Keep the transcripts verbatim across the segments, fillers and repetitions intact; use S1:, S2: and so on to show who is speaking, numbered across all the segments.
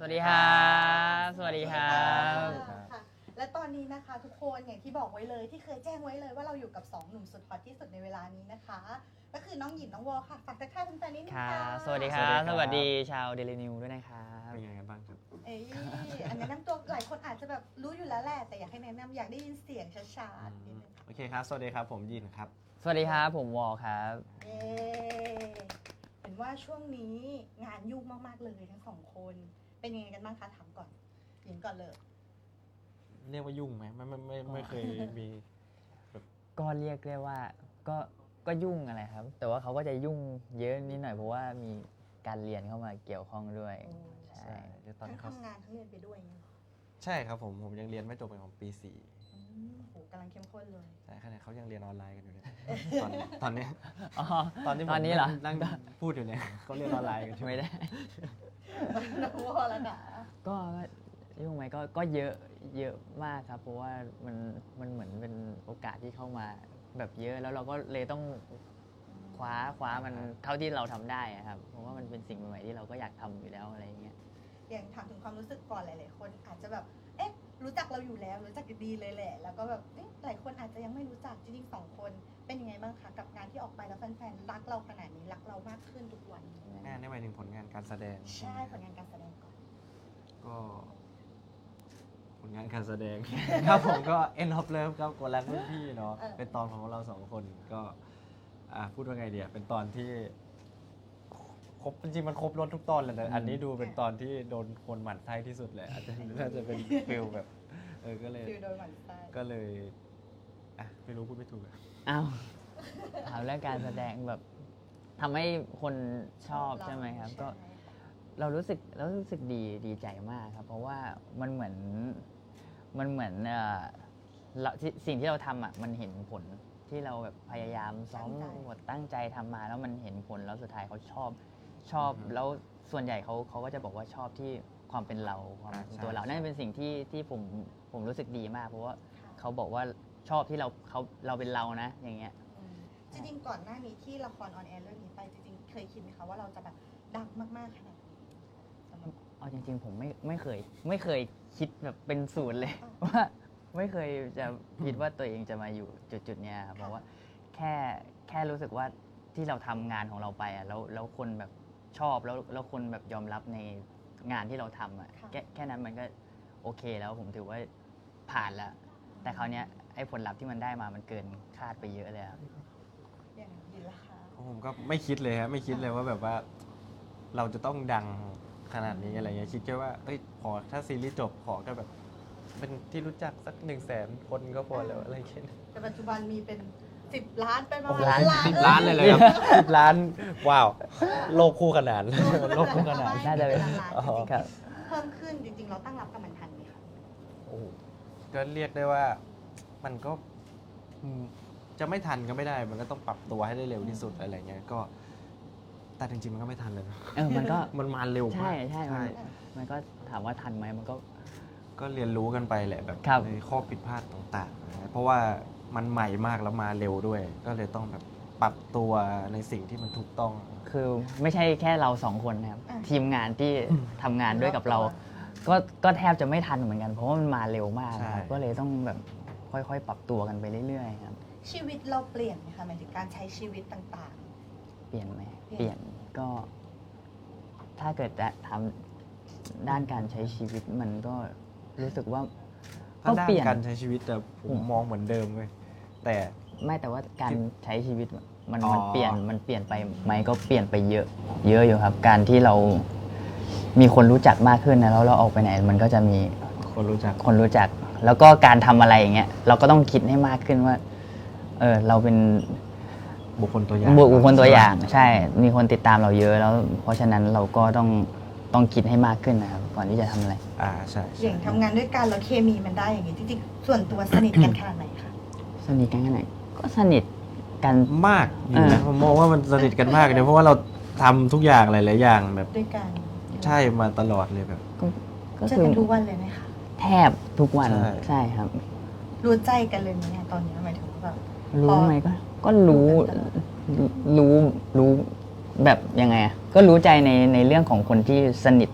S1: วัสดีครับสวัสดีครับ
S2: ค่ะและตอนนี้นะคะทุกคนอย่างที่บอกไว้เลยที่เคยแจ้งไว้เลยว่าเราอยู่กับสองหนุ่มสุดฮอตที่สุดในเวลานี้นะคะก็คือน้องหยินน้องวอค่ะฝากทักทายแฟนๆนิดนึง
S1: ครั
S2: ค่ะ
S1: บสวัสดีครับสวัสดีชาวเดลินิวด้วยนะครับ
S3: เป็นยังไงกันบ้างครับ
S2: เอ้ยอันแนะนำตัวหลายคนอาจจะแบบรู้อยู่แล้วแหละแต่อยากให้แนะนำอยากได้ยินเสียงชัดๆนิดนึง
S3: โอเคครับ สวัสดีครับ ผมยินครับ
S1: สวัสดีครับผมวอลครับ
S2: เย้เห็นว่าช่วงนี้งานยุ่งมากๆเลยทั้งสองคนเป็นยังไงกันบ้างคะถามก่อนหยินก่อนเลย
S3: เรียกว่ายุ่งไหมไม่ไม่ไม่ไม่เคยมี
S1: ก็เรียกได้ว่าก็ก็ยุ่งอะไรครับ แต่ว่าเขาก็จะยุ่งเยอะนิดหน่อยเพราะว่ามีการเรียนเข้ามาเกี่ยวข้องด้วย
S2: โอ้
S1: ใช่
S3: ใช่เดี๋ยวตอน
S2: ทั้ง
S3: เขา
S2: ทำงานทั้งเรียนไปด้วยอย่างเงี้ยเหรอ
S3: ใช่ครับผม ผมยังเรียนไม่จบเป็นของปีสี่
S2: อืมโหกำลังเข้มข้นเลย
S3: ใช่ขณะเขายังเรียนออนไลน์กันอยู่เลยตอนตอนนี้
S1: อ๋อ
S3: ตอนที่ผม
S1: ตอนนี้เหรอ
S3: นั่งพูดอยู่เนี่ยเขาเรียนออนไลน์กันอยู่
S1: ไม่ได้
S2: น้องวอแล้วนะ
S1: ก็ยุ่งไหมก็ก็เยอะเยอะมากครับ เพราะว่ามันมันเหมือนเป็นโอกาสที่เข้ามาแบบเยอะแล้วเราก็เลยต้องคว้าคว้ามันเท่าที่เราทำได้อะครับเพราะว่ามันเป็นสิ่งใหม่ๆที่เราก็อยากทำอยู่แล้วอะไรอย่างเงี้ย
S2: อย่างถามถึงความรู้สึกก่อนหลาย ๆ คนอาจจะแบบ เอ๊ะ รู้จักเราอยู่แล้ว รู้จักดีเลยแหละ แล้วก็แบบ เอ๊ะ หลายคนอาจจะยังไม่รู้จักจริงๆสองคน เป็นยังไงบ้างคะกับงานที่ออกไปแล้วแฟนๆ รักเราขนาดนี้ รักเรามากขึ้นทุกวัน
S3: งานในหมายถึงผลงานการแสดง
S2: ใช่ผลงานการแสดงก่อน
S3: ก็ผลงานการแสดง ครับผมก็ End of Love ครับกดรักรุ่นพี่เนาะ
S2: เออ
S3: เป็นตอนของเราสองคนก็อ่ะพูดว่าไงเดียเป็นตอนที่ครบจริงๆมันครบรถทุกตอนเลยนะอันนี้ดูเป็นตอนที่โดนคนหมั่นไส้ที่สุดเลยอาจจะน่าจะเป็นฟิลแบบเออก็เลย
S2: ฟิลโดยหมันไส้
S3: ก็เลยอ่ะไม่รู้พูดไม่ถูกอะ
S1: อ้าวถามเรื่องการแสดงแบบทำให้คนชอบใช่ไหมครับ ก็
S2: ใช่
S1: เรารู้สึกเรารู้สึกดีดีใจมากครับ เพราะว่ามันเหมือนมันเหมือนเอ่อเราที่สิ่งที่เราทำอ่ะมันเห็นผลที่เราแบบพยายามซ้อมบทตั้งใจทำมา แล้วมันเห็นผลแล้วสุดท้ายเขาชอบชอบ
S3: อือฮึ
S1: แล้วส่วนใหญ่เขาเขาก็จะบอกว่าชอบที่ความเป็นเราความเป็นตัวเรา
S3: ใช่
S1: นั่นเป็นสิ่งที่ที่ผมผมรู้สึกดีมาก เพราะว่า
S2: ค่ะ
S1: เขาบอกว่าชอบที่เราเขาเราเป็นเรานะ อย่างเงี้ย
S2: อืมจริงๆ ก่อนหน้านี้ที่ละครออนแอร์เรื่องนี้ไปจริงๆ เคยคิดไหมคะว่าเราจะแบบดังมากๆ ขนาดนี้สำหรับ
S1: เอาจริงๆ ผมไม่ไม่เคยไม่เคยคิดแบบเป็นศูนย์เลย
S2: อ่า
S1: ว่าไม่เคยจะคิดว่าตัวเองจะมาอยู่จุดๆเนี้ยครับเพราะว่าแค่แค่รู้สึกว่าที่เราทำงานของเราไปอ่ะแล้วแล้วคนแบบชอบแล้วแล้วคนแบบยอมรับในงานที่เราทำอ่ะ
S2: ค่ะ
S1: แค่แค่นั้นมันก็โอเคแล้วผมถือว่าผ่านแล้ว แต่คราวเนี้ยไอ้ผลลัพธ์ที่มันได้มามันเกินคาดไปเยอะเลยครับ
S2: อย่างยินละคะ
S3: ผมก็ไม่คิดเลยฮะไม่คิดเลยว่าแบบว่า เราจะต้องดังขนาดนี้อะไรเงี้ยคิดแค่ว่าเอ้ยขอถ้าซีรีส์จบขอแค่แบบ เป็นที่รู้จักสักหนึ่งแสนคนก็พอแล้วอะไรเงี้ย
S2: แต่ปัจจุบันมีเป็นสิบล้านไปประ
S3: โอ้
S2: มา
S3: โห
S2: ณล้าน
S3: สิบล้านเลยเลยครับสิบล้านว้าว โลกคู่ขนานโลกคู่ขนาน
S1: น่าจะเป็น
S2: ล้าน
S3: อ๋อ
S2: จริง
S1: ครับ
S2: ๆเพิ่มขึ้นจริง ๆ เราตั้งรับกับมันทันไหมคะ
S3: โอ้โหก็เรียกได้ว่ามันก็อืมจะไม่ทันก็ไม่ได้ มันก็ต้องปรับตัวให้ได้เร็วที่สุดอะไรเงี้ยก็ แต่จริงๆมันก็ไม่ทันเลยนะ
S1: เออมันก็
S3: มันมาเร็วมา
S1: ใช่
S3: ก
S1: ใช่มันมันก็ถามว่าทันไหมมันก็
S3: ก็เรียนรู้กันไปแหละแบบ
S1: ครับ
S3: ในข้อผิดพลาดต่างๆนะเพราะว่ามันใหม่มากแล้วมาเร็วด้วย ก็เลยต้องแบบปรับตัวในสิ่งที่มันถูกต้อง
S1: คือไม่ใช่แค่เราสองคนนะครับ
S2: อ่ะ
S1: ทีมงานที่ทำงานด้วยกับเรา ก็ก็แทบจะไม่ทันเหมือนกัน เพราะว่ามันมาเร็วมากนะครับ
S3: ใช่
S1: ก็เลยต้องแบบค่อยๆ ปรับตัวกันไปเรื่อยๆครับ
S2: ชีวิตเราเปลี่ยนไหมคะหมายถึงการใช้ชีวิตต่าง
S1: เปลี่ยนไหม
S2: เปลี่ยน
S1: เปลี่ยนก็ ถ้าเกิดจะทำด้านการใช้ชีวิตมันก็รู้สึกว่า
S3: ถ้า
S1: ก็
S3: ด้า
S1: เปลี่
S3: น
S1: ยน
S3: การใช้ชีวิตแต่ผ
S1: อื
S3: ม
S1: ม
S3: มองเหมือนเดิมเลยแต่
S1: ไม่แต่ว่าการใช้ชีวิตมัน
S3: อ๋อ
S1: มันเปลี่ยนมันเปลี่ยนไปไหมก็เปลี่ยนไปเยอะ เยอะอยู่ครับ การที่เรามีคนรู้จักมากขึ้นนะแล้วเราออกไปไหน มันก็จะมี
S3: คนรู้จัก
S1: คนรู้จัก แล้วก็การทำอะไรอย่างเงี้ยเราก็ต้องคิดให้มากขึ้นว่า เออเราเป็น
S3: บุคคลตัวอย่าง
S1: บุคคลตัวอย่าง ใช่ มีคนติดตามเราเยอะแล้ว เพราะฉะนั้นเราก็ต้องต้องคิดให้มากขึ้นนะครับก่อนที่จะทำอะไร
S3: อ่าใช่
S2: ๆ อ
S3: ใช่
S2: ย่างทำงานด้วยกันแล้วเคมีมันได้อย่างนี้จริงๆ ส่วนตัวสนิทกันขนาดไหนคะ
S1: สนิทกันแค่ไหนก็สนิทกัน
S3: มากอยู่นะ
S1: เออ
S3: ผมมองว่ามันสนิทกันมากเลยเพราะว่าเราทำทุกอย่างหลายๆอย่างแบบ
S2: ด้วยกัน
S3: ใช่มาตลอดเลยแบบ
S1: ก็ก็
S2: เจอ
S1: คือ
S2: กันทุกวันเลยไหมคะ
S1: แทบทุกวัน
S3: ใช่
S1: ใช่ครับ
S2: รู้ใจกันเลยไหมเนี่ยตอนนี้หมายถึงว่าแบบ
S1: รู้ไหมก็ก็รู้
S2: รู้กันตลอด
S1: รู้รู้แบบยังไงอะก็รู้ใจในในเรื่องของคนที่สนิท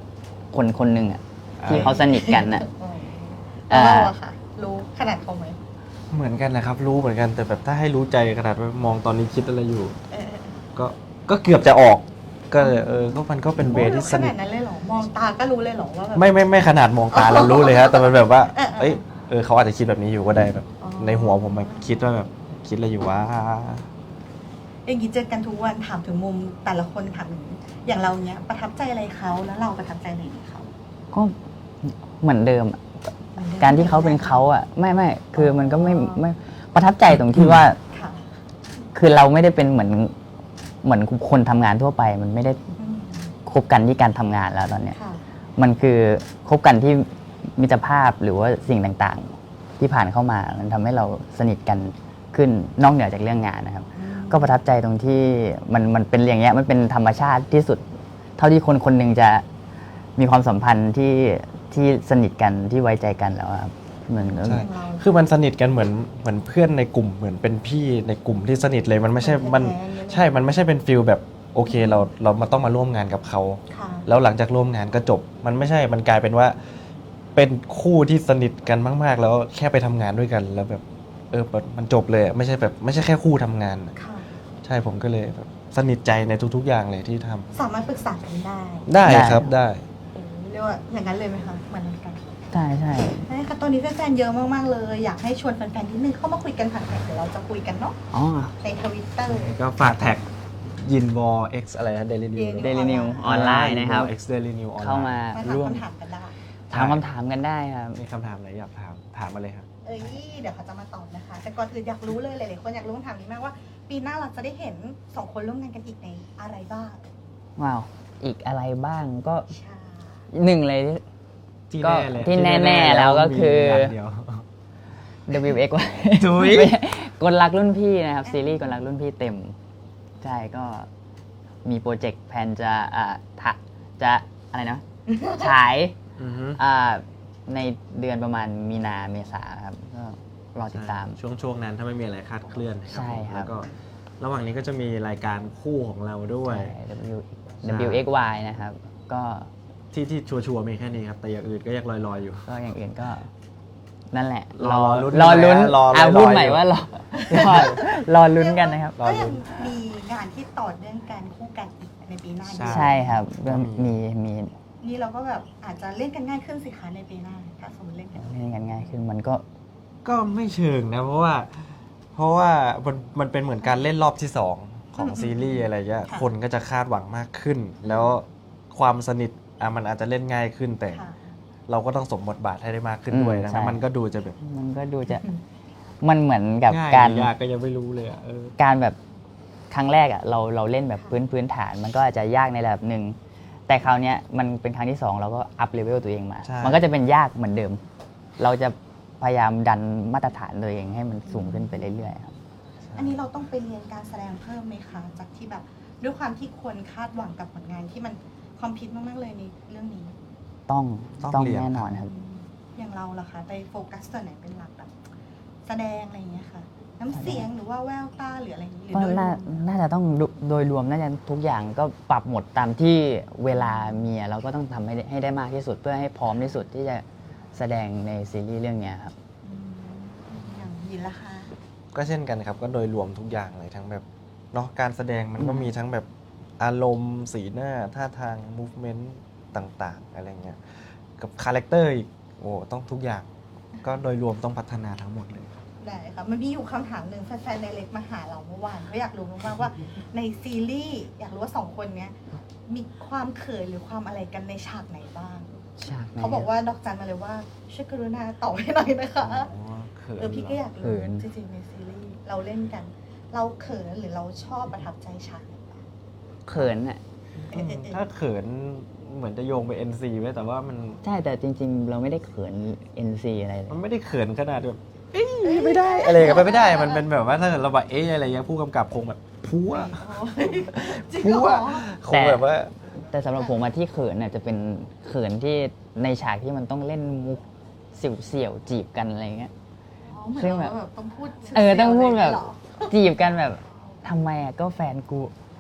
S1: คนคนหนึ่งอะที่เขาสนิทกันอะ
S2: แล้วเราอะค่ะ รู้ขนาดเขาไหม
S3: เหมือนกันนะครับ รู้เหมือนกันแต่แบบถ้าให้รู้ใจขนาดว่ามองตอนนี้คิดอะไรอยู่
S2: เออ
S3: ก็ก็เกือบจะออก ก็เลยเออก็มันก็เป็นเวที่ส
S2: ข
S3: นิ
S2: นา
S3: ท
S2: ดนั้นเลยเหรอ มองตาก็รู้เลยเหรอว่าแบบ
S3: ไม่ไม่ไม่ขนาดมองตาเรารู้เลยฮะแต่มันแบบว่า
S2: เออเออ
S3: เอ้ยเออเขาอาจจะคิดแบบนี้อยู่ก็ได้แบบ
S2: อ๋อ
S3: ในหัวผมมันคิดว่าแบบคิดอะไรอยู่ว่า
S2: อย่างนี้เจอกันทุกวันถามถึงมุมแต่ละคนถามถึงอย่างเราเนี้ยประทับใจอะไรเขาแล้วเราประทับใจอะไรในเขา
S1: ก็เหมือนเดิมอะการที่เขาเป็นเขาอะไม่ไม่คือมันก็ไม่ไม่ประทับใจตรงที่ว่า
S2: ค่ะ
S1: คือเราไม่ได้เป็นเหมือนเหมือนคนทำงานทั่วไป มันไม่ได้
S2: อืม
S1: คบกันที่การทำงานแล้วตอนเนี้ย
S2: ค่ะ
S1: มันคือคบกันที่มิตรภาพหรือว่าสิ่งต่างๆ ที่ผ่านเข้ามามันทำให้เราสนิทกันขึ้นนอกเหนือจากเรื่องงานนะครับ ก็ประทับใจตรงที่มันมันเป็นอย่างเงี้ยมันเป็นธรรมชาติที่สุด เท่าที่คนคนหนึ่งจะมีความสัมพันธ์ที่ที่สนิทกันที่ไว้ใจกันแล้วอะครับเหมือน
S3: ใช่ คือมันสนิทกันเหมือนเหมือนเพื่อนในกลุ่มเหมือนเป็นพี่ในกลุ่มที่สนิทเลยมันไม่ใช่มันใช่มันไม่ใช่เป็นฟิลแบบโอเคเราเรามาต้องมาร่วมงานกับเขา
S2: ค่ะ
S3: แล้วหลังจากร่วมงานก็จบ มันไม่ใช่มันกลายเป็นว่า เป็นคู่ที่สนิทกันมาก ๆ แล้วแค่ไปทำงานด้วยกัน แล้วแบบเออมันจบเลยอะไม่ใช่แบบไม่ใช่แค่คู่ทำงานอะ
S2: ค่ะ
S3: ใช่ผมก็เลยแบบสนิทใจในทุก ๆ อย่างเลยที่ทำ
S2: สามารถปรึกษากันได้
S3: ได้ครับได้
S2: เออเรียกว่าอย่างนั้นเลยไหมคะเหมือนกัน
S1: ใช่ใช่
S2: ใช่ค่ะตอนนี้แฟนๆเยอะมากๆเลย อยากให้ชวนแฟนๆนิดนึงเข้ามาคุยกันผ่านแท็กเดี๋ยวเราจะคุยกันเนาะ
S1: อ๋อ
S2: ในทวิตเตอร์
S3: ก็ฝากแท็กยินวอล X อะไรนะ Daily New
S2: Daily
S1: Daily New ออนไลน์นะครับ
S3: X Daily New ออนไลน์
S1: เข้ามา
S2: มาถาม
S1: ร่วม
S2: คำถามกันได้
S1: ถามคำถามกันได้ครับ
S3: มีคำถามอะไรอยากถามถามมาเลยครับ
S2: เอ้ยเดี๋ยวเขาจะมาตอบนะคะ แต่ก่อนอื่นอยากรู้เลยหลายๆคนอยากรู้คำถามนี้มากว่า ปีหน้าเราจะได้เห็นสองคนร่วมงานกันอีกในอะไรบ้าง
S1: ว้าว อีกอะไรบ้างก็
S2: ใช่
S1: หนึ่งเลยที่
S3: ที่
S1: ก็
S3: แน่เลย
S1: ที่แน่ๆแล้วก็คือ
S3: มีย่างเดียว
S1: ดับเบิลยู เอ็กซ์
S3: จุ๊ย
S1: กลรักรุ่นพี่นะครับ ซีรีส์กลรักรุ่นพี่เต็ม ใช่ก็มีโปรเจกต์แพลนจะอ่าทะจะอะไรนะ ฉาย
S3: อือฮึ
S1: อ่าในเดือนประมาณมีนาเมษาครับ ก็รอติดตาม
S3: ช่วงช่วงนั้นถ้าไม่มีอะไรคาดเคลื่อนนะครั
S1: ใช่ครับ
S3: แล้วก็ระหว่างนี้ก็จะมีรายการคู่ของเราด้วย
S1: ใช่ W ดับเบิลยู เอ็กซ์ วาย นะครับ ก็
S3: ที่ที่ชัวร์ๆมีแค่นี้ครับ แต่อย่างอื่นก็ยังลอยๆอยู่
S1: ก็อย่างอื่นก็ นั่นแหละ
S3: รอลุ้น
S1: รอลุ้น
S3: รอ
S1: อ่ะ
S3: รอ
S1: พูด
S3: รอ
S1: ใหม่
S3: อยู่
S1: ว่ารอรอรอลุ้นกันนะครับ
S3: รอ
S2: ก็
S3: ลุ้
S2: ยัง
S3: น
S2: มีงานที่ต่อเนื่องกันคู่กันอีกในปีหน้าด้วย
S1: ใช่ครับ
S3: ก็มี
S1: มีมี
S2: นี่เราก็แบบอาจจะเล่นกันง่ายขึ้นสิคะในปีหน้าถ้าสมมติเล่นกัน
S1: เล่นกันง่ายขึ้นมันก็
S3: ก็ไม่เชิงนะ เพราะว่า เพราะว่ามันมันเป็นเหมือนการเล่นรอบที่สองของซีรีส์อะไรเงี้ยคนก็จะคาดหวังมากขึ้น แล้วความสนิทอ่ะมันอาจจะเล่นง่ายขึ้นแต่
S2: ค่ะ
S3: เราก็ต้องสมบทบาทให้ได้มากขึ้นด้วย
S1: อืม
S3: นะ
S1: ใช่
S3: มันก็ดูจะแบบ
S1: มันก็ดูจะ มันเหมือนกับ
S3: ง่าย
S1: การ
S3: หรือยากก็ยังไม่รู้เลยอะเออ
S1: การแบบครั้งแรกอ่ะเราเราเล่นแบบพื้นพื้นฐาน มันก็อาจจะยากในระดับหนึ่ง แต่คราวเนี้ยมันเป็นครั้งที่สองเราก็อัพเลเวลตัวเองมา
S3: ใช่
S1: มันก็จะเป็นยากเหมือนเดิม เราจะพยายามดันมาตรฐานตัวเองให้มันสูงขึ้นไปเรื่อยๆครับ
S2: อันนี้เราต้องไปเรียนการแสดงเพิ่มไหมคะ จากที่แบบด้วยความที่คนคาดหวังกับผลงานที่มันคอมพิวต์มากๆเลยในเรื่องนี้
S1: ต้อง
S3: ต้อง
S1: ต้อง
S3: เรียน
S1: แน่นอนครับ
S2: อย่างเราล่ะคะไปโฟกัสส่วนไหนเป็นหลักแบบแสดงอะไรอย่างเงี้ยค่ะ น้ำเสียงหรือว่าแววตาหรืออะไรอย่างเงี้ยหรือ
S1: ก็
S2: โดยร
S1: น่าว
S2: ม
S1: น่าจะต้องดูโดยรวมน่าจะทุกอย่างก็ปรับหมดตามที่เวลามีอะเราก็ต้องทำให้ได้ให้ได้มากที่สุด เพื่อให้พร้อมที่สุดที่จะแสดงในซีรีส์เรื่องเนี้ยครับ
S2: อืมอย่างยินละคะ
S3: ก็เช่นกันครับ ก็โดยรวมทุกอย่างเลยทั้งแบบเนาะการแสดงมันก็มีทั้งแบบอารมณ์สีหน้าท่าทาง movement ต่างๆ อะไรเงี้ยกับคาแรคเตอร์อีกโอ้ต้องทุกอย่าง ก็โดยรวมต้องพัฒนาทั้งหมดเลย
S2: ได้ค่ะมันมีอยู่คำถามหนึ่งแฟนๆในเล็กมาหาเราเมื่อวานก็อยากรู้มากๆว่าในซีรีส์อยากรู้ว่าสองคนเนี้ยมีความเขินหรือความอะไรกันในฉากไหนบ้าง
S1: ฉากไหน
S2: เขาบอกว่าดอกจันมาเลยว่าช่วยกรุณาตอบให้หน่อยนะคะ
S3: อ๋อเขิน
S2: เออพี่ก็
S3: เหร
S2: อยากรู้จริงๆในซีรีส์เราเล่นกัน เราเขินหรือเราชอบประทับใจฉากไหนบ้าง
S1: เขินอ่ะ
S2: เออเออเออ
S3: ถ้าเขินเหมือนจะโยงไป เอ็น ซี ไว้แต่ว่ามัน
S1: ใช่แต่จริง ๆ เราไม่ได้เขิน เอ็น ซี อะไรเลย
S3: มันไม่ได้เขินขนาดแบบเอ้ยไม่ได้อะไรกันไปไม่ได้ มันเป็นแบบว่าถ้าเกิดเราแบบเอ๊ะอะไรเงี้ยผู้กำกับคงแบบพัว
S2: จริง
S3: พั
S2: เห
S3: ว
S2: รอ
S3: คงแบบว่า
S1: แต่สำหรับผมอะที่เขินน่ะจะเป็นเขินที่ในฉากที่มันต้องเล่นมุกเสี่ยวๆจีบกันอะไรเงี้ย
S2: อ๋อเหมือน
S1: ซึ่ง
S2: เรา
S1: แบบ
S2: แบบต้องพูด
S1: เออต้องพูดแบบ
S2: เหรอ
S1: จีบกันแบบทำไมอ่ะก็แฟนกู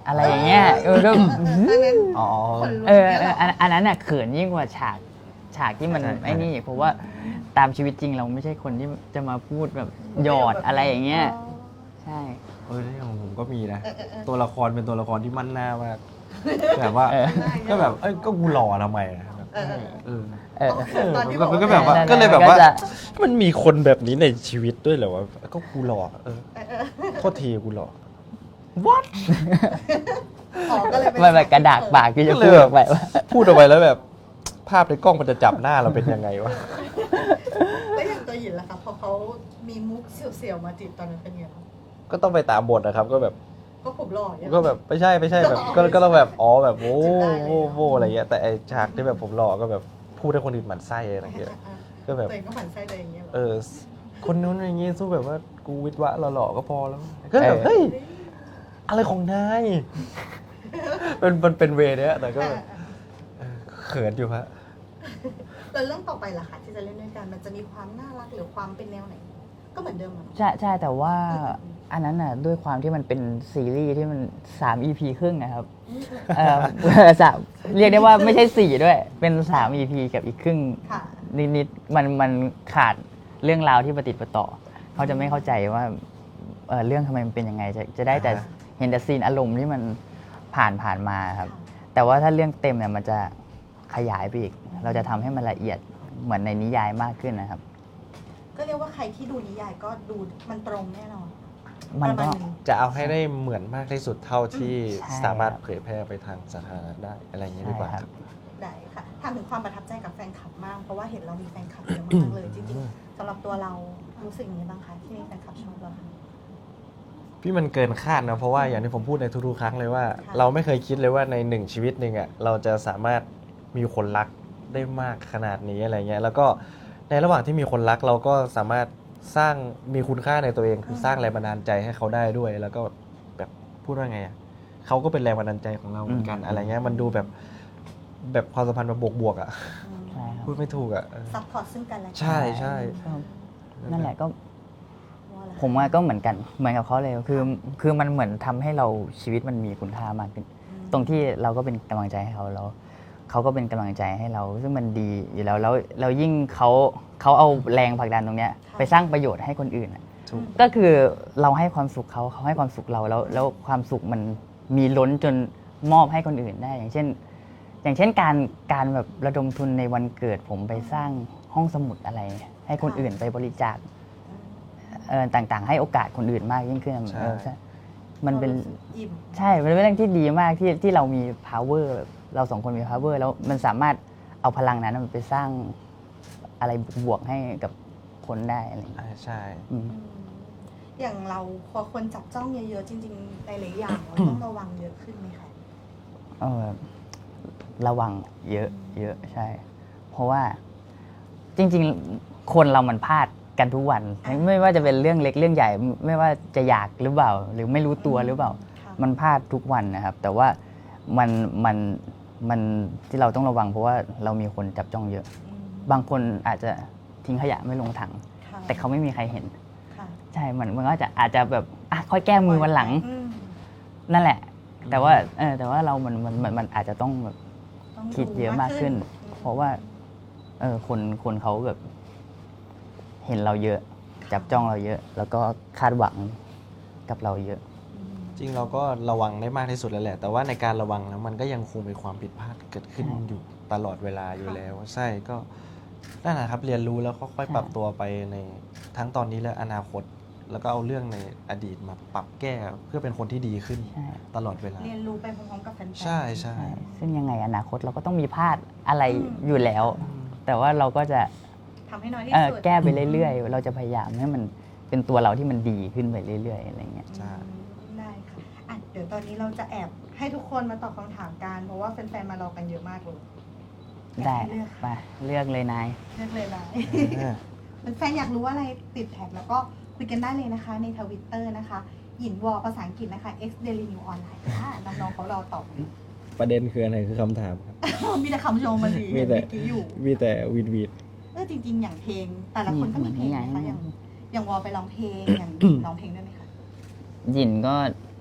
S1: อะไรอย่างเงี้ยเออก็
S2: เออเออเอออันนั้น
S3: อ๋อ
S2: คนลุก
S1: เออ
S2: นี่ยหร
S1: อันอันนั้นน่ะเขินยิ่งกว่าฉากฉากที่มัน
S3: ใช่
S1: ไอ้นี่เพราะว่าตามชีวิตจริงเราไม่ใช่คนที่จะมาพูดแบบหยอดอะไรอย่างเงี้ย
S2: อ๋อ
S1: ใช่
S3: เออของผมก็มีนะ
S2: เออเออเออ
S3: ตัวละครเป็นตัวละครที่มั่นหน้ามากแบบว่า
S1: เออ
S3: ก็แบบเอ้ยก็กูหล่อทำไมอะแบบ
S2: เออเออ
S3: เออ
S1: เออ
S3: เออ
S2: ตอนที่
S3: มันก็
S2: บอกว่า
S3: แบบว่า
S1: นั่นๆ
S3: ก็เลยแบบว่า
S1: ก็จะ
S3: มันมีคนแบบนี้ในชีวิตด้วยเหรอวะก็กูหล่อเออ
S2: เออเออ
S3: โทษทีกูหล่อ what
S2: อ๋อก็เลยเป็น
S1: มันแบบกระดากปากที่จะ
S3: ก็เล
S1: พู
S3: ย
S1: ด
S3: แบบ
S1: ออกไปว่า
S3: พูดออกไปแล้วแบบ ภาพในกล้องมันจะจับหน้าเราเป็นยังไงวะ
S2: แล้วอย่างตัวหยินล่ะคะพอเขามีมุกเสียวๆมาจีบตอนนั้นเป็นไงบ้าง
S3: ก็ต้องไปตามบทนะครับ ก็แบบ
S2: ก็ผมหล่ออย่างเงี้ย
S3: ก็แบบไม่ใช่ไม่ใช่แบบก็ก็ต้องแบบอ๋อแบบโอ้
S2: จิบได้เลย
S3: โอ้โอ้อะไรเงี้ยแต่ไอฉากที่แบบผมหล่อก็แบบพูดให้คนอื่นหมั่นไส้อะไรเงี้ย ก็แบบ
S2: ตัวเองก็หมั่นไส้ตัวเองอย่างเงี้ยหรอ
S3: เออ คนนู้นอย่างงี้สู้แบบว่ากูวิทย์วะหล่อๆก็พอแล้ว ก็แบบ
S1: เออ
S3: เฮ้ยอะไรของนายเป็นมันเป็นเวย์เนี้ยแต่ก็
S2: อ่า
S3: แบบเออเขินอยู่ฮะ
S2: แล้วเรื่องต่อไปล่ะคะที่จะเล่นด้วยกันมันจะมีความน่ารักหรือความเป็นแนวไหน ก็เหมือนเดิมอะ
S1: ใช่ใช่แต่ว่าอันนั้นน่ะด้วยความที่มันเป็นซีรีส์ที่มันสาม อี พี ครึ่งนะครับเออ สามเรียกได้ว่าไม่ใช่สี่ด้วย เป็นสาม อี พี กับอีกครึ่ง
S2: ค่ะ
S1: นิดๆมันมันขาดเรื่องราวที่ประติดประต่อ เขาจะไม่เข้าใจว่าเอ่อเรื่องทำไมมันเป็นยังไง จะจะได้แต่
S3: อ่า
S1: เห็นแต่ซีนอารมณ์ที่มันผ่านผ่านมาครับ แต่ว่าถ้าเรื่องเต็มเนี่ยมันจะขยายไปอีก เราจะทำให้มันละเอียดเหมือนในนิยายมากขึ้นนะครับ
S2: ก็เรียกว่าใครที่ดูนิยายก็ดูมันตรงแน่นอน
S1: มันก็
S2: ประาณหง
S3: จะเอาให้ได้เหมือนมากที่สุดเท่าที่
S1: ใช่
S3: สามารถเผยแพร่ไปทางสาธารณะได้อะไรอย่างนี้ดีกว่า
S1: ใช่
S3: ค
S1: ครั
S3: รับ
S1: บ
S2: ได้ค่ะถามถึงความประทับใจกับแฟนคลับมาก เพราะว่าเห็นเรามีแฟนคลับเยอะมากเลย จริงๆสำหรับตัวเรารู้สึกยังไงบ้างคะที่มีแฟนคลับชอบเรา
S3: พี่มันเกินคาดนะเพราะว่าอย่างที่ผมพูดในทุกๆครั้งเลยว่า
S2: ค่ะ
S3: เราไม่เคยคิดเลยว่าในหนึ่งชีวิตหนึ่งอ่ะเราจะสามารถมีคนรักได้มากขนาดนี้อะไรเงี้ยแล้วก็ในระหว่างที่มีคนรักเราก็สามารถสร้างมีคุณค่าในตัวเอง คือสร้างแรงบันดาลใจให้เขาได้ด้วย แล้วก็แบบพูดว่าไงอ่ะเขาก็เป็นแรงบันดาลใจของเราเหมือนกัน
S1: อืม
S3: อะไรเงี้ยมันดูแบบแบบความสัมพันธ์แบบบวกๆอ่ะ
S1: ใช่ครับ
S3: พูดไม่ถูกอ่ะเออ
S2: ซัพพอร์ตซึ่งกันและกั
S3: ใช่ใช่
S1: ก็นั่นแหละก็
S2: ว่าอะไร
S1: ผมว่าก็เหมือนกันเหมือนกับเขาเลยคือคือมันเหมือนทำให้เราชีวิตมันมีคุณค่ามากขึ้น ตรงที่เราก็เป็นกำลังใจให้เขาแล้วเขาก็เป็นกำลังใจให้เรา ซึ่งมันดีอยู่แล้วแล้วแล้วยิ่งเขาเขาเอาแรงผลักดันตรงเนี้ยไปสร้างประโยชน์ให้คนอื่นอะ
S3: ถูก
S1: ก็คือเราให้ความสุขเขาเขาให้ความสุขเราแล้วแล้วความสุขมันมีล้นจนมอบให้คนอื่นได้ อย่างเช่น อย่างเช่นการการแบบระดมทุนในวันเกิดผมไปสร้างห้องสมุดอะไร ให้คนอื่นไปบริจาคเอ่อต่างๆ ให้โอกาสคนอื่นมากยิ่งขึ้น
S3: ใช่
S1: เออใช่มันเป็น
S2: รารู้สึกอิ่ม
S1: ใช่ มันเป็นเรื่องที่ดีมากที่ที่เรามี power แบบเราสองคนมี power แล้วมันสามารถเอาพลังนั้นมันไปสร้างอะไรบวกๆให้กับคนได้อะไรอย่างเงี้ย
S3: อ่าใช่
S1: อืม
S2: อืมอย่างเราพอคนจับจ้องเยอะๆจริงๆหลายๆอย่างเราต้องระวังเยอะขึ้นไหมคะ
S1: เออระวังเยอะเยอะใช่ เพราะว่าจริงๆ คนเรามันพลาดกันทุกวัน ไม่ว่าจะเป็นเรื่องเล็กเรื่องใหญ่ ไม่ว่าจะอยากหรือเปล่า หรือไม่รู้ตัวหรือเปล่า
S2: ค่ะ
S1: มันพลาดทุกวันนะครับ แต่ว่ามันมันมันที่เราต้องระวังเพราะว่าเรามีคนจับจ้องเยอะ
S2: อืม
S1: บางคนอาจจะทิ้งขยะไม่ลงถัง
S2: ค่ะ
S1: แต่เขาไม่มีใครเห็น
S2: ค่ะ
S1: ใช่ มันมันก็จะอาจจะแบบอ่ะค่อยแก้มือวันหลัง
S2: อืม
S1: นั่นแหละ แต่ว่าเออแต่ว่าเรามันมันมันมันอาจจะต้องแบบ
S2: ต้อง
S1: คิดเยอะมากขึ้น
S2: อืม
S1: เพราะว่าเออคนคนเขาแบบ เห็นเราเยอะ จับจ้องเราเยอะ แล้วก็คาดหวังกับเราเยอะ
S2: อืม
S3: จริงเราก็ระวังได้มากที่สุดแล้วแหละ แต่ว่าในการระวังแล้วมันก็ยังคงมีความผิดพลาดเกิดขึ้น
S1: ใช่
S3: อยู่ตลอดเวลาอยู่แล้ว ใช่ก็นั่นแหละครับเรียนรู้แล้วค่อยๆปรับตัวไปในทั้งตอนนี้และอนาคต แล้วก็เอาเรื่องในอดีตมาปรับแก้เพื่อเป็นคนที่ดีขึ้น
S1: ใช่
S3: ตลอดเวลา
S2: เรียนรู้ไปพร้อมๆกับแฟนๆ
S3: ใช่ใช่
S1: ใช่ซึ่งยังไงอนาคตเราก็ต้องมีพลาดอะไร
S2: อืม
S1: อยู่แล้ว แต่ว่าเราก็จะ
S2: ทำให้น้อยที่
S1: เอ่อ
S2: สุด
S1: แก้ไปเรื่อยๆ เราจะพยายามให้มันเป็นตัวเราที่มันดีขึ้นไปเรื่อยๆอะไรเงี้ย
S3: ใช่
S2: ได้ค่ะอ่ะ เดี๋ยวตอนนี้เราจะแอบให้ทุกคนมาตอบคำถามกัน เพราะว่าแฟนๆ มารอกันเยอะมากเลย
S1: ได้
S2: เลือก
S1: ไปเลือกเลยนาย
S2: เลือกเลยนะ
S3: เออ
S2: แฟนๆ อยากรู้ว่าอะไรติดแท็กแล้วก็คุยกันได้เลยนะคะ ในทวิตเตอร์นะคะ หยินวอภาษาอังกฤษนะคะ X Daily New Online ค่ะน้องๆเขารอตอบอยู่
S3: ประเด็นคืออะไรคือคำถามครับ
S2: มีแต่คำชมมาดี
S3: มี
S2: เห็น
S3: แต่
S2: เมื่อกี้อยู่
S3: มีแต่วีดวีด
S2: เออจริง ๆ อย่างเพลง แต่ละคนก็มีเพลงนะคะ
S1: นี่ไง
S2: อย่างอย่างวอไปร้องเพลง อย่างร้องเพลงด้วยไหมคะ
S1: หยินก็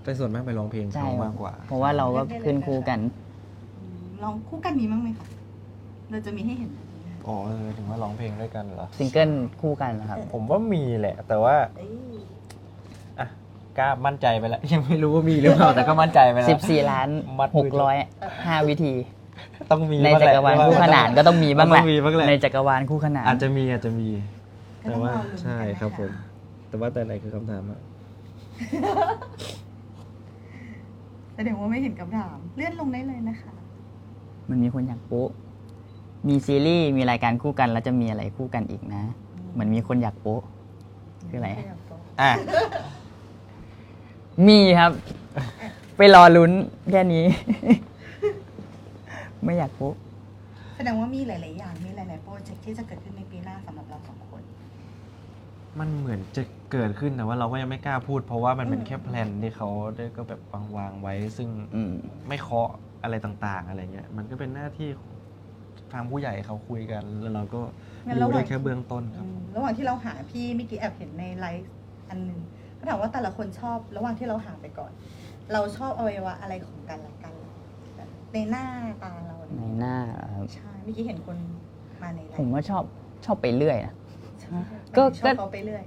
S3: แต่ส่วนมากไปร้องเพลง
S1: ใช่
S3: เขามากกว่า
S1: เพราะว่าเราก็ขึ้นคู่กัน
S2: อืมลองคู่กันมีบ้างไหมคะเราจะมีให้เห็นไหม
S3: อ๋อเออถึงว่าร้องเพลงด้วยกันเหรอ
S1: ซิงเกิลคู่กันนะครับ
S3: ผมว่ามีแหละ แต่ว่า
S2: เอ้ย
S3: อ่ะกล้ามั่นใจไปแล้ว ยังไม่รู้ว่ามีหรือเปล่า แต่ก็มั่นใจไปแล้ว
S1: สิบสี่ ล้าน
S3: มัดมือ
S1: หกร้อยห้า วิธี
S3: ต้องมี
S1: ใน
S3: บ้ง
S1: จั
S3: แหละ
S1: กรวาลคู่ขนานก็ต้องมีบ้างแห
S3: ต้
S1: ละ
S3: องมีบ้างแหละ
S1: ในจักรวาลคู่ขนาน
S3: อาจจะมีอาจจะมี
S2: ก็
S3: แต่
S2: ต้อง
S3: ว่าร
S2: อลุ้น
S3: ใช่
S2: กันนะะ
S3: ครับผม แต่ว่าแต่ไหนคือคำถามอะ
S2: แสดงว่าไม่เห็นคำถาม เลื่อนลงได้เลยนะคะ
S1: มันมีคนอยากโป๊ะมีซีรีส์มีรายการคู่กันแล้วจะมีอะไรคู่กันอีกนะ เหมือนมีคนอยากโป๊ะคืออะไร
S3: อ่ะ
S1: มีครับ ไปรอลุ้นแค่นี้ ไม่อยากโป๊ะ
S2: แสดงว่ามีหลาย ๆ อย่าง มีหลาย ๆ โปรเจกต์ที่จะเกิดขึ้นในปีหน้าสำหรับเราสองคน
S3: มันเหมือนจะเกิดขึ้นแต่ว่าเราก็ยังไม่กล้าพูด เพราะว่ามันเป็น
S2: อืม
S3: แค่แพลนที่เขาได้ก็แบบวางวางๆไว้ ซึ่ง
S1: อืม
S3: ไม่เคาะอะไรต่างๆ อะไรเงี้ย มันก็เป็นหน้าที่ของทางผู้ใหญ่เขาคุยกัน แล้วเราก็
S2: งั้นระ
S3: รู้
S2: หว่า
S3: ได้
S2: ง
S3: แค่เบื้องต้นครับ
S2: อืมระหว่างที่เราหาพี่เมื่อกี้แอบเห็นในไลฟ์อันหนึงเขาถามว่าแต่ละคนชอบ ระหว่างที่เราหาไปก่อน เราชอบอวัยวะอะไรของกันและกันแบบในหน้าตาเรา
S1: ในหน้าครับ
S2: ใช่ เมื่อกี้เห็นคนมาในไล
S1: ผม
S2: ฟ์
S1: ว่าชอบชอบไปเรื่อยนะ
S2: ใช่
S1: ก็
S2: ชอบเขาไปเรื่อย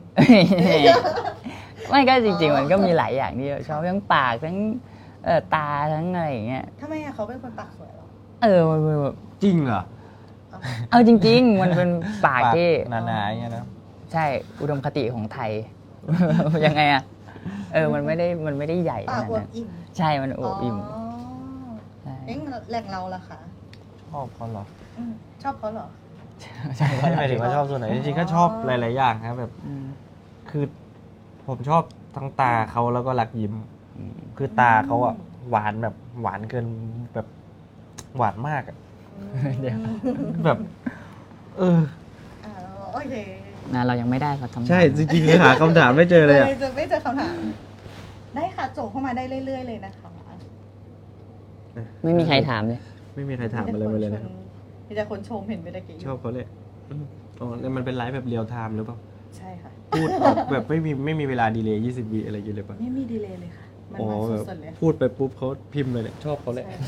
S1: ไม่ก็จริง ๆ มันก็มีหลายอย่างที่ชอบทั้งปากทั้งเอ่อตาทั้งอะไรอย่างเงี้ย
S2: ทำไมอะเขาเป็นคนปากสวยเหรอ
S1: เออมันมันแบบ
S3: จริงเหรอ
S2: เอา
S1: เอาจริง ๆ มันเป็นปากที่
S3: หนาๆอย่างเงี้ยนะ
S1: ใช่อุดมคติของไทย ยังไงอะเออมันไม่ได้มันไม่ได้ใหญ่ข
S2: ปาก
S1: นาด
S2: อว
S1: นั้
S2: บ
S1: น
S2: อิ่ม
S1: ใช่มันอวบอิ่ม
S2: อ๋อ
S1: ใช่
S2: เอ๊ะแหล่งเราล่ะคะ
S3: ชอบเขาเหรอ
S2: อืมชอบเขาเหรอ
S1: ใช่
S3: ไม่หมายถึงว่าชอบส่วนไหน จริงๆก็ชอบหลายๆอย่างครับแบบ
S1: อืม
S3: คือผมชอบทั้งตาเขาแล้วก็รักยิ้ม
S1: อืม
S3: คือตาเขาอะหวานแบบหวานเกินแบบหวานมากอะ
S1: เดี๋ยว
S3: แบบ เออ
S2: อ่าโอเค
S1: นะเรายังไม่ได้สักคำถาม
S3: ใช่จริงๆคือหาคำถามไม่เจอเลยอะ
S2: จะไม่เจอคำถาม ได้ค่ะโจเข้ามาได้เรื่อย ๆ เลยนะคะ
S1: ไม่มีใครถามเลย
S3: ไม่มีใครถามอะไรมาเลยนะครับ
S2: มีแต่คนชมเห็นไปตะกี้
S3: ชอบเขาเลยอืมอ๋อแล้วมันเป็นไลฟ์แบบเรียลไทม์หรือเปล่า
S2: ใช่ค่ะ
S3: พูดแบบแบบไม่มีไม่มีเวลาดีเลย์ยี่สิบวิอะไรอย่างเงี้ยเลยป่ะ
S2: ไม่มีดีเลย์เลยค่ะ มัน
S3: อ๋อ
S2: มา
S3: แบบ
S2: สดๆเลย
S3: พูดไปปุ๊บเขาพิมพ์เลยเนี่ยชอบเขาเลย
S2: ใช่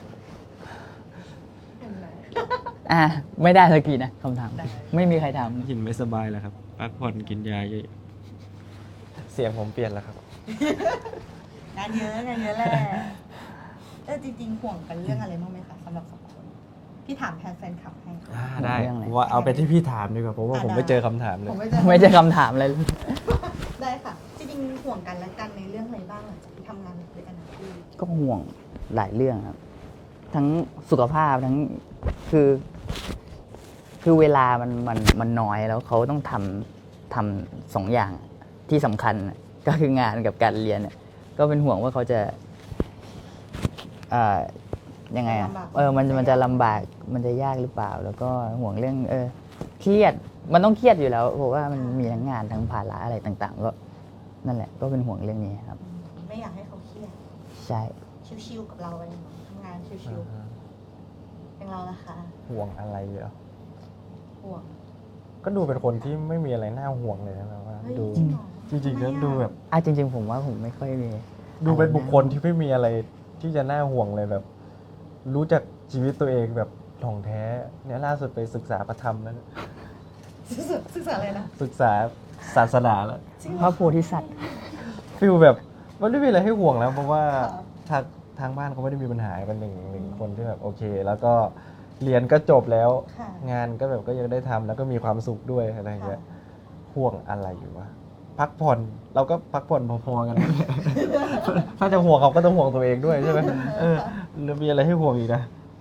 S2: เห็นไหม
S1: อ่ะไม่ได้สักทีนะคำถาม
S2: ได้
S1: ไม่มีใครถาม
S3: หินไม่สบายแล้วครับพักผ่อนกินยาเยอะเสียงผมเปลี่ยนแล้วครับ
S2: งานเยอะงานเยอะแหละเออจริงๆห่วงกันเรื่องอะไรบ้างไหมคะสำหรับสองคนพี่ถามแทนแฟนคลับให้
S3: อ่าได้
S1: เรื่องอะไร
S3: ว่าเอาไปที่พี่ถามดีกว่าเพราะว่า
S2: อ่ะ
S3: ผม
S2: ได้
S3: ไม่เจอคำถามเลย
S2: ผมไม่เจอ
S1: ไม่ใช่คำถามอะไรเลย
S2: ได้ค่ะ จริงๆห่วงกันและกันในเรื่องอะไรบ้างหลังจากที่ทำงานด้วยกันนะพี่
S1: ก็ห่วงหลายเรื่องครับ ทั้งสุขภาพทั้งคือ คือเวลามันมันมันน้อยแล้วเขาต้องทำทำสองอย่างที่สำคัญน่ะก็คืองานกับการเรียนเนี่ยก็เป็นห่วงว่าเขาจะเอ่อยังไงอ่ะเออมันมันจะลำบากมันจะยากหรือเปล่า แล้วก็ห่วงเรื่อง เออเครียดมันต้องเครียดอยู่แล้วเพราะว่ามันมีทั้งงานทั้งภาระอะไรต่าง ๆ ก็นั่นแหละ ก็เป็นห่วงเรื่องนี้ครับ
S2: อืมไม่อยากให้เขาเครียด
S1: ใช่
S2: ชิวๆกับเราไปทำงานชิวๆอย่างเราล่ะคะ
S3: ห่วงอะไรเหรอ
S2: ห่วง
S3: ก็ดูเป็นคนที่ไม่มีอะไรน่าห่วงเลยนะแบบว่า
S2: เฮ้ย
S3: ดู
S2: จริงเหรอ
S3: จริงๆแล้ว
S2: ทำไมอะ
S3: ดูแบบ
S1: อ่ะจริง ๆ ผมว่าผมไม่ค่อยมี
S3: ดูเป็นบุคคลที่ไม่มีอะไรที่จะน่าห่วงเลยแบบ รู้จักชีวิตตัวเองแบบถ่องแท้เนี่ยล่าสุดไปศึกษาพระธรรมแล้วเนี่ย
S2: ศึกษาศึกษาอะไรนะ
S3: ศึกษาศาสนาแล้ว
S2: จริงเห
S1: พ
S2: รอ
S1: ระโพธิสัตว์
S3: ฟิลแบบมันไม่มีอะไรให้ห่วงแล้ว เพราะว่า
S2: ค่ะ
S3: ทางทางบ้านเขาไม่ได้มีปัญหาเป็นหนึ่งหนึ่งคนที่แบบโอเค แล้วก็เรียนก็จบแล้ว
S2: ค่ะ
S3: งานก็แบบก็ยังได้ทำแล้วก็มีความสุขด้วยอะไรอย่างเงี้ยห่วงอะไรอยู่วะพักผ่อนเราก็พักผ่อนพอๆกัน ถ้าจะห่วงเขาก็ต้องห่วงตัวเองด้วยใช่ไหมเออแล้วมีอะไรให้ห่วงอีกนะ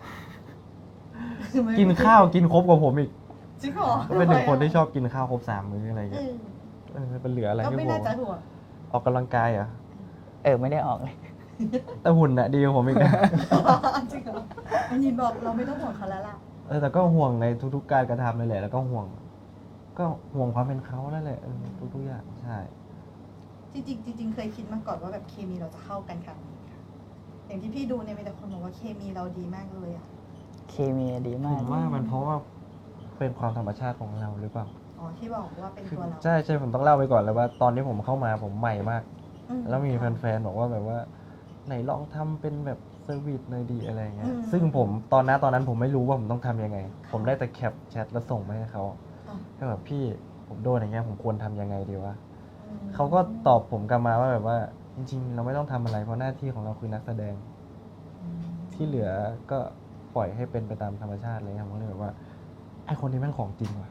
S3: กินข้าวกินครบกว่าผมอีก
S2: จริงเหรอ
S3: ก็เป็นหนึ่งคนที่ชอบกินข้าวครบสามมื้ออะไรอย่าง
S2: เอ
S3: เงี้ย
S2: อ
S3: เออเป็นเหลืออะไร
S2: ก็
S3: ให้
S2: ไม่
S3: ห่ว
S2: น่าง จะห่วง
S3: ออกกำลังกายเหรอ่ะ
S1: เออไม่ได้ออกเลย
S3: แต่หุ่นน่ะดีกว่าผมอีกนะ
S2: จริงเหรออันนี้บอกเราไม่ต้องห่วงเขาแล้วล่ะ
S3: เออแต่ก็ห่วงในทุกๆการกระทำเลยแหละแล้วก็ห่วง ก็ห่วงความเป็นเขานั่นแหละเออทุกๆอย่างใช่
S2: จริงๆจริงๆเคยคิดมาก่อนว่าแบบเคมีเราจะเข้ากันค่ะอย่างที่พี่ดูเนี่ยมีแต่คนบอกว่าเคมีเราดีมากเลยอ่ะ
S1: เคมีดี
S3: ผม
S1: าก
S3: มว่ามันเพราะว่าเป็นความธรรมชาติของเราหรือเปล่า
S2: อ๋อที่บอกว่าเป็น
S3: คือ
S2: ตัวเรา
S3: ใช่ใช่ผมต้องเล่าไปก่อนเลยว่า ตอนที่ผมเข้ามาผมใหม่มาก
S2: ออืม
S3: แล้วมีแฟนๆบอกว่าแบบว่าไหนลองทำเป็นแบบเซอร์วิสหน่อยดีอะไรเงี้ย
S2: อืม
S3: ซึ่งผมตอนนั้นตอนนั้นผมไม่รู้ว่าผมต้องทำยังไง ผมได้แต่แคปแชทแล้วส่งไปให้เขา
S2: อ๋อ
S3: ก็แบบพี่ผมโดนอย่างเงี้ยผมควรทำยังไงดีวะ
S2: อืม
S3: เขาก็ตอบผมกลับมาว่าแบบว่าจริงๆ เราไม่ต้องทำอะไรเพราะหน้าที่ของเราคือนักแสดง
S2: อืม
S3: ที่เหลือก็ปล่อยให้เป็นไปตามธรรมชาติเลยครับผมก็เลยแบบว่าไอคนนี้แม่งของจริงว่ะ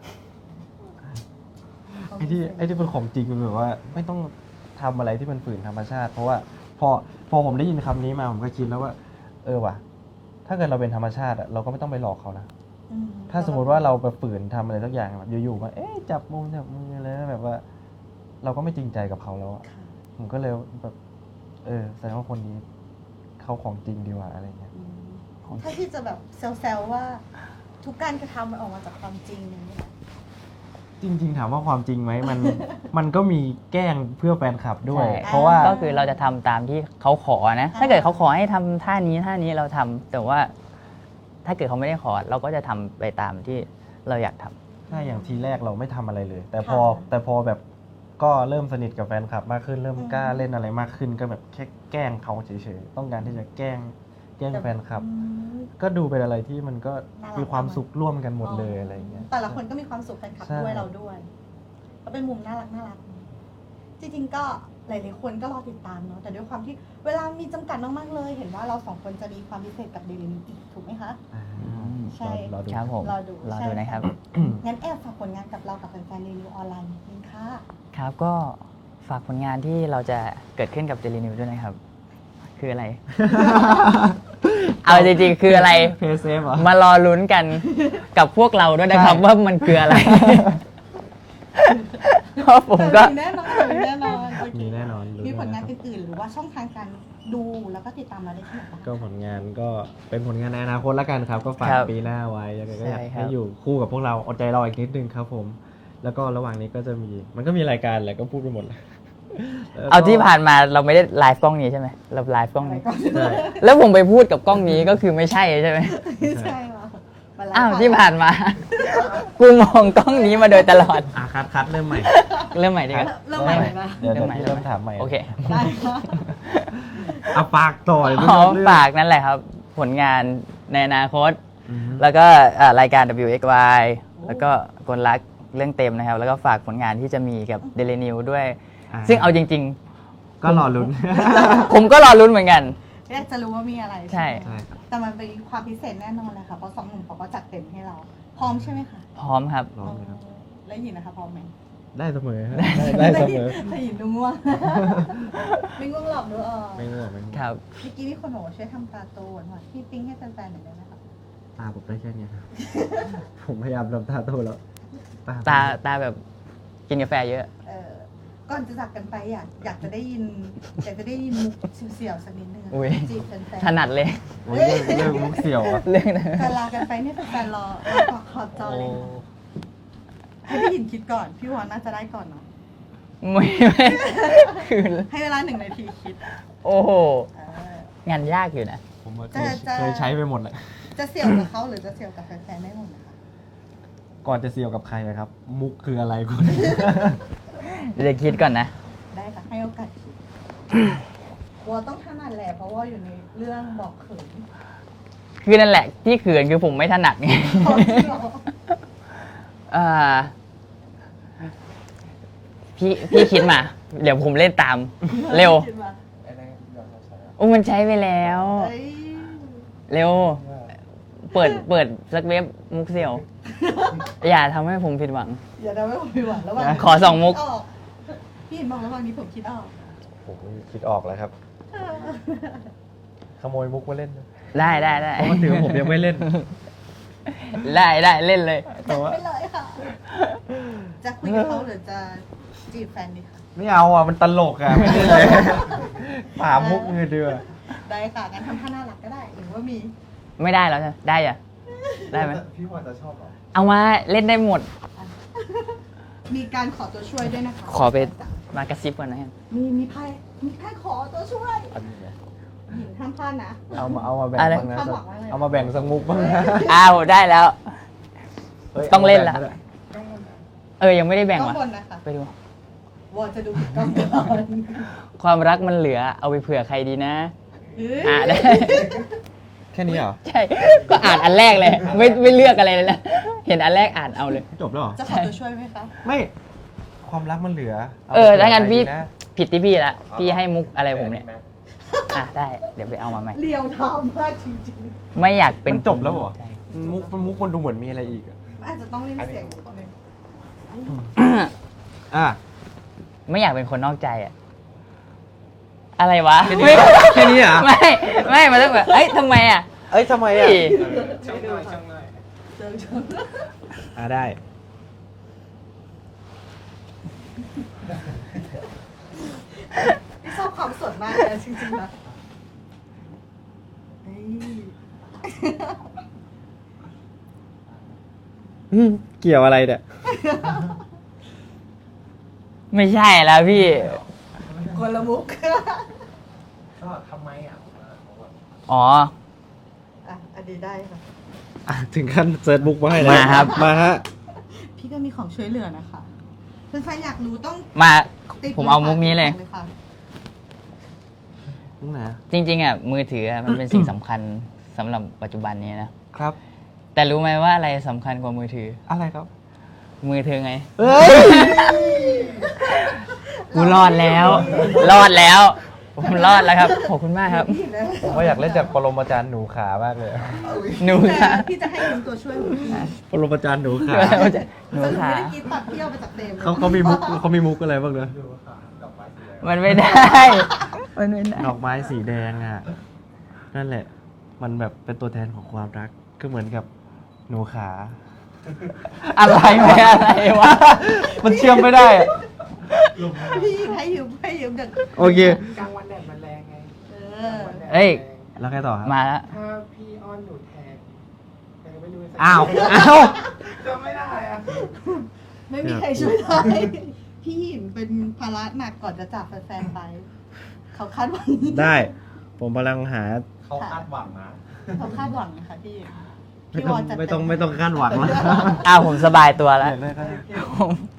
S3: ไอที่ไอที่เป็นของจริงมันแบบว่า ไม่ต้องทำอะไรที่มันฝืนธรรมชาติ เพราะว่าพอพอผมได้ยินคำนี้มาผมก็คิดแล้วว่า เออว่ะ ถ้าเกิดเราเป็นธรรมชาติอะเราก็ไม่ต้องไปหลอกเขานะ
S2: อืม
S3: ถ้าสมมติว่าเราไปฝืนทำอะไรสักอย่างแบบอยู่ๆมาเอ๊ะจับมือจับมืออะไรนะแบบว่า เราก็ไม่จริงใจกับเขาแล้วอะ
S2: ค่ะ
S3: ผมก็เลยแบบ เออแสดงว่าคนนี้เขาของจริงดีกว่าอะไรเงี้ย
S2: อืมถ้าที่จะแบบเซลล์ว่า ทุกการกระทำมันออกมาจากความจริงอย่างนี้ย
S3: จริง ๆ ถามว่าความจริงไหมมัน มันก็มีแกล้งเพื่อแฟนคลับด้วย
S1: ใช่
S3: เพราะว่า
S1: ก็คือเราจะทำตามที่เขาขอนะ ถ้าเกิดเขาขอให้ทำท่านี้ท่านี้เราทำแต่ว่า ถ้าเกิดเขาไม่ได้ขอ เราก็จะทำไปตามที่เราอยากทำ
S3: ถ้าอย่างทีแรกเราไม่ทำอะไรเลย แต่พอ
S2: ค่ะ
S3: แต่พอแบบก็เริ่มสนิทกับแฟนคลับมากขึ้น เริ่ม
S2: อืม
S3: กล้าเล่นอะไรมากขึ้น ก็แบบแค่แกล้งเขาเฉยๆต้องการที่จะแกล้งแกล้งแฟนคลับ
S2: อืม
S3: ก็ดูเป็นอะไรที่มันก็
S2: น่ารัก
S3: มีความสุขร่วมกันหมดเลยอะไรอย่างเงี้ย
S2: แต่ละคนก็มีความสุขแฟนคลับ
S3: ใช่
S2: ด้วยเราด้วย ก็เป็นมุมน่ารักน่ารักจริงๆก็หลายๆคนก็รอติดตามเนาะแต่ด้วยความที่เวลามีจำกัดมากๆเลย เห็นว่าเราสองคนจะมีความพิเศษกับเดลินิวอีกถูกไหมคะ
S3: อ่า
S2: ใช่
S3: รอดู
S1: ครับผม
S2: รอดู
S1: รอ
S2: ใช่
S1: ดูนะครับ
S2: งั้นแอบฝากผลงานกับเรากับแฟนๆเดลินิวออนไลน์นิดนึงค่ะ
S1: ครับก็ฝากผลงานที่เราจะเกิดขึ้นกับ Daily News ด้วยนะครับ คืออะไร เอาจริงๆ คืออะไร
S3: เพย์เซฟเหรอ
S1: มารอลุ้นกันกับพวกเราด้วยนะครับ
S3: ใช่
S1: ว่ามันคืออะไร เพราะผมก็
S2: มีแน่นอนมีแน่นอนโอเค
S3: มีแน่นอนรู้
S2: มีผลงาน
S3: แน่นอน
S2: อื่นๆหรือว่าช่องทางการดูแล้วก็ติดตามเราได้ที่ไหนบ้าง
S3: ก็ผลงานก็เป็นผลงานในอนาคตแล้วกันครับ ก็ฝาก
S1: ครับ
S3: ปีหน้าไว้ยังไงก็อยาก
S1: ใช่ครับ
S3: ให้อยู่คู่กับพวกเราอดใจรออีกนิดนึงครับผม แล้วก็ระหว่างนี้ก็จะมีมันก็มีรายการแหละก็พูดไปหมดแล้ว
S1: เอาที่ผ่านมาเราไม่ได้ไลฟ์กล้องนี้ใช่ไหมเราไลฟ์กล้องนี้
S3: ใช่
S1: แล้วผมไปพูดกับกล้องนี้ก็คือไม่ใช่ใช่ไหม
S2: ไม่ใช่หรอมาไลฟ์
S1: อ้าว
S2: ก่น
S1: ที่ผ่านมา กูมองกล้องนี้มาโดยตลอด
S3: อ่ะคัดคัดเริ่มใหม่
S1: เริ่มใหม่ดีกว่า
S2: เริ่มใหม่เลยนะ
S3: เดี๋ยว
S1: เริ่
S3: เดี๋ยว
S1: มใหม่
S3: พี่เริ่มถามใหม่
S1: โอเค
S2: ได้ค่ะ
S3: เอาปากต่อเลย
S1: อ๋อ
S3: เรื่อง
S1: ฝากนั่นแหละครับ ผลงานในอนาคต
S3: อืม
S1: แล้วก็เอ่อรายการ ดับเบิลยู เอ็กซ์ วาย แล้วก็กลรักเรื่องเต็มนะครับ แล้วก็ฝากผลงานที่จะมีกับ Daily News ด้วย
S3: อ่า
S1: ซึ่งเอาจริง
S3: ก็รอลุ้น
S1: ๆ ผมก็รอลุ้นเหมือนกัน
S2: อยากจะรู้ว่ามีอะไร
S1: ใช่
S2: ไหม
S3: ใช่ครับ
S2: แต่มันเป็นความพิเศษแน่นอนเลยค่ะเพราะสองหนุ่มเขาก็จัดเต็มให้เรา พร้อมใช่ไหมคะ
S1: พร้อมครับ
S3: รอเลยครับ
S2: แล้วหยินนะคะพร้อมไหม
S3: ได้เสมอฮะได้ได้เสมอ
S2: แต่หยินดูง่วง ไม่ง่วงหลับด้วยอ่ะ
S3: ไม่ง่วงไม่ง่วง
S1: ครับ
S2: เมื่อกี้มีคนบอกว่าช่วยทำตาโตหน่อยพี่ปิ๊งให้แฟนๆหน่อยได้ไหมคะ
S3: ตาผมได้แค่เนี้ยครับ ผมพยายามทำตาโตแล้ว
S1: ตาตาแบบกินกาแฟเยอะ
S2: เออก่อนจะจากกันไปอยากอยากจะได้ยินอยากจะได้ยินมุกเสี่ยวๆสักนิดนึงอะ
S1: อุ๊ย
S2: จีบแฟน
S1: ถนัดเลย
S3: โอ้ยเรื่องเรื่องมุกเสี่ยวอ่ะ
S1: เรื่องนั้น
S2: ๆการลากันไปเนี่ยแฟนๆรอรอขอบจอเลยค่ะให้พี่หยินคิดก่อนพี่วอนน่าจะได้ก่อนเนาะ
S1: ไม่ไม่คือ
S2: ให้เวลาหนึ่งนาทีคิด
S1: โอ้โห
S2: เออง
S1: านยากอยู่นะ
S3: ผมว่า
S2: จะจะ
S3: เคยใช้ไปหมดแหละ
S2: จะเสี่ยวกับเขาหรือจะเสี่ยวกับแฟนๆได้หมดนะคะ
S3: ก่อนจะเสี่ยวกับใครอะครับ มุกคืออะไรคุณ
S1: เดี๋ยวคิดก่อนนะ
S2: ได้ค่ะให้โอกาสคิดวัวต้องถนัดแหละเพราะว่าอยู่ในเรื่องบอกเขิน
S1: คือนั่นแหละที่เขินคือผมไม่ถนัดไง
S2: พอที่เรา
S1: อ่าพี่พี่คิดมา เดี๋ยวผมเล่นตาม เร็ว
S2: คิดมา
S1: โอ้มันใช้ไปแล้ว
S2: เอ้ย
S1: เร็ว เปิดเปิดสักเว็บมุกเสี่ยว อย่าทำให้ผมผิดหวัง
S2: อย่าทำให้ผมผิดหวังระหว่าง
S1: ขอสองมุก
S2: คิดออพี่เห็นบอกระหว่างนี้ผมคิดออก
S3: ผมคิดออกแล้วครับ ขโมยมุกมาเล่นนะ
S1: ได้ได้ได้
S3: เพราะว่าถือว่าผมยังไม่เล่น
S1: ได้ได้เล่นเลย
S2: จัดไปเลยค่ะ จะคุยกับเขาหรือจะจีบแฟนดีคะ
S3: ไม่เอาอ่ะ มันตลกอ่ะ ไม่ได้เลยป่ามุกเงยเดือ
S2: ได้ค่ะงั้นทำท่าน่ารักก็ได้หรือว่ามี
S1: ไม่ได้แล้วใช่ไหมได้อะได้ไหม
S3: พี่วอนจะชอบเหรอ
S1: เอามาเล่นได้หมด
S2: มีการขอตัวช่วยด้วยนะคะ
S1: ขอไปมากระซิบก่อนนะฮะ
S2: มีมีไพ่มีไพ่ขอตัวช่วย
S3: อันนี้เนี่ย
S2: หญิงห้ามพลาดนะ
S3: เอามาเอามาแบ่ง
S1: อะไร
S3: บ้างนะ
S2: คาดหวังว่าอะไร
S3: เอามาแบ่งสักมุกบ้างนะ
S1: อ้าวได้แล้ว
S3: ฮ้ย
S1: ต้องเล่นละ
S3: อามาแบ่งก็ได้
S2: ต้องบน
S1: เออยังไม่ได้แบ่ง
S2: ต้อง
S1: ว่ะ
S2: บนนะคะ
S1: ไปดู
S2: วอจะดูผิดกล้องก่อน
S1: ความรักมันเหลือเอาไปเผื่อใครดีนะ
S2: เฮ้ย
S1: อ่ะได้
S3: แค่นี้เหรอ
S1: ใช่ ก็อ่านอันแรกเลย ไม่ไม่เลือกอะไรเลยนะ เห็นอันแรกอ่านเอาเลย
S3: จบแล้วเหรอ
S2: จะขอตัวช่วยไหมคะ
S3: ไม่ ความรักมันเหลือ
S1: เออถ้างั้นพี่
S3: นะ
S1: ผิดที่พี่ละพี่ให้มุกอะไรผมเนี่ย อ่ะได้ เดี๋ยวไปเอามาใหม่
S2: เรียวทามมากจริง
S1: ไม่อยากเป็น
S3: มันจบแล้วเหรอ
S1: ใช่
S3: มุกมุกมันดูเหมือนมีอะไรอีกอะ
S2: ๆอาจจะต้องเล่นเสียงนิดนึง
S3: อ่ะ
S1: ไม่อยากเป็นคนนอกใจอะอะไรวะ
S3: แค่นี้แค่นี้เหรอ
S1: ไม่ ไม่ มันต้องแบบเอ้ยทำไมอ่ะ
S3: เอ้ยทำไมอ่ะ
S1: เฮ้ย
S2: ช่างหน่อยช่างหน่อยเจอเจอ
S3: อ่ะได้
S2: ชอบความสดมากเลยจริงๆนะเฮ้ย
S3: อืมเกี่ยวอะไรเนี่ย
S1: ไม่ใช่แล้วพี่
S2: คนละมุก
S4: ก็ทำไมอ่ะ
S1: อ๋อ
S2: อ่ะอันนี้ได้ค่ะ
S3: อ่ะถึงขั้นเซิร์ชบุ๊กมาให้แล้ว
S1: มาครับ
S3: มาฮะ
S2: พี่ก็มีของช่วยเหลือนะคะเพื่อนๆอยากรู้ต้อง
S1: มา
S2: ติด
S1: ผมเอามุกนี้เลย
S2: ค่ะ
S3: มุกไหนอะ
S1: จริงๆอ่ะมือถืออะมันเป็นสิ่งสำคัญสำหรับปัจจุบันนี้นะ
S3: ครับ
S1: แต่รู้ไหมว่าอะไรสำคัญกว่ามือถือ
S3: อะไรครับ
S1: มือถือไง
S3: เฮ้ย
S1: กูรอดแล้ว รอดแล้ว ผมรอดแล้วครับ ขอบคุณมากครับ
S3: ผมก็อยากเล่นจากปรมาจารย์หนูขามากเลย
S1: หนู
S2: แต่
S1: ค่ะ
S2: พี่จะให้ยืมตัวช่วยหนูพี่
S3: ปรมาจารย์หนูขา
S1: หนู
S2: แต่หนู
S1: ขา
S2: ไม่ได้กินตัดเที่ยวไปจากเต็ม
S3: เขาเขามีมุกเขามีมุกอะไรบ้างเนอะ
S1: มันไม่ได้ มันไม่ได้
S3: ดอกไม้สีแดงอ่ะ นั่นแหละ มันแบบเป็นตัวแทนของความรัก ก็เหมือนกับหนูขา
S1: อะไรไม่อะไรวะ
S3: มันเชื่อมไม่ได้อะ
S2: พี่ให้ยืมให้ยืมจาก
S3: โอเค
S4: กลางวันแดดมันแรงไง
S2: เออ
S1: เอ้ย
S3: แล้วไงต่อครับ
S1: มาแล้ว
S4: ถ้าพี่อ้อนหนูแทนแต่ก็ไม่รู้จะ
S3: อ้าว อ้าว
S4: จำไม่ได้อ่ะ
S2: ไม่มีใครช่วยได้พี่หิมเป็นภาระหนักก่อนจะจากแฟนๆไป เขาคาดหวัง
S3: ได้ ผมกำลังหา
S4: เขาคาดหวังนะ
S2: เขาคาดหวังนะคะพี่
S3: ไม่
S2: พี่
S3: ต้
S2: ว
S3: อง
S2: อนจัด
S3: ไม่ต้องไม่ต้องคาดหวังแล้ว
S1: อ้าวผมสบายตัวแล้ว
S3: อยากได้ก็ได้
S1: ผม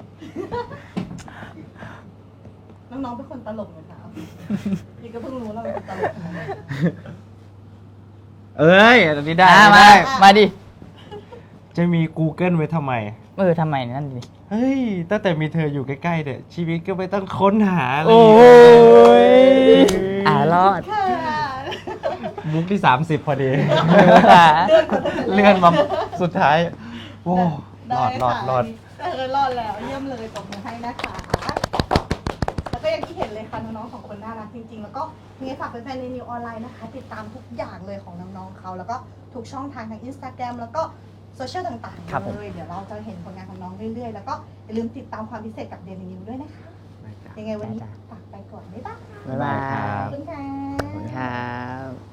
S2: น้องๆเป็นคนตลกไหมคะพี่ก็เพิ่งรู้แล้วว่าเป็นตลกนะ
S3: เอ้ยอันนี้ได้
S1: อ่ะ
S3: อัน
S1: มา
S3: นี้ได้
S1: มาดิ
S3: จะมี Google ไว้ทำไม
S1: เออทำไมนั่นดิ
S3: เฮ้ย ตั้งแต่มีเธออยู่ใกล้ๆเนี่ย ชีวิตก็ไม่ต้องค้นหาเลย
S1: โอ้ยอ่ารอด
S2: ค่ะ
S3: มุกที่สามสิบพอดี
S1: ค่ะ
S3: เลื่อนมาสุดท้าย โอ้ร
S2: ได้
S3: อดรอด
S2: ค่ะ
S3: รอด
S2: เออรอดแล้วเยี่ยมเลยตบมือให้นะคะ แล้วก็อย่างที่เห็นเลยค่ะน้องๆสองคนน่ารักจริงๆ แล้วก็มีฝากแฟนๆในนิวออนไลน์นะคะ ติดตามทุกอย่างเลยของน้องๆเขาแล้วก็ทุกช่องทางทาง Instagram แล้วก็โซเชียลต่าง
S1: ครับผ
S2: ๆ
S1: ม
S2: เลย เดี๋ยวเราจะเห็นผลงานของน้องเรื่อยๆ แล้วก็อย่าลืมติดตามความพิเศษกับเดลินิวด้วยนะคะ ยังไงวันนี้ฝากไปก่อนบ๊ายบาย
S1: บ๊ายบาย
S2: ขอบคุณค่ะ
S1: ขอบคุณครับ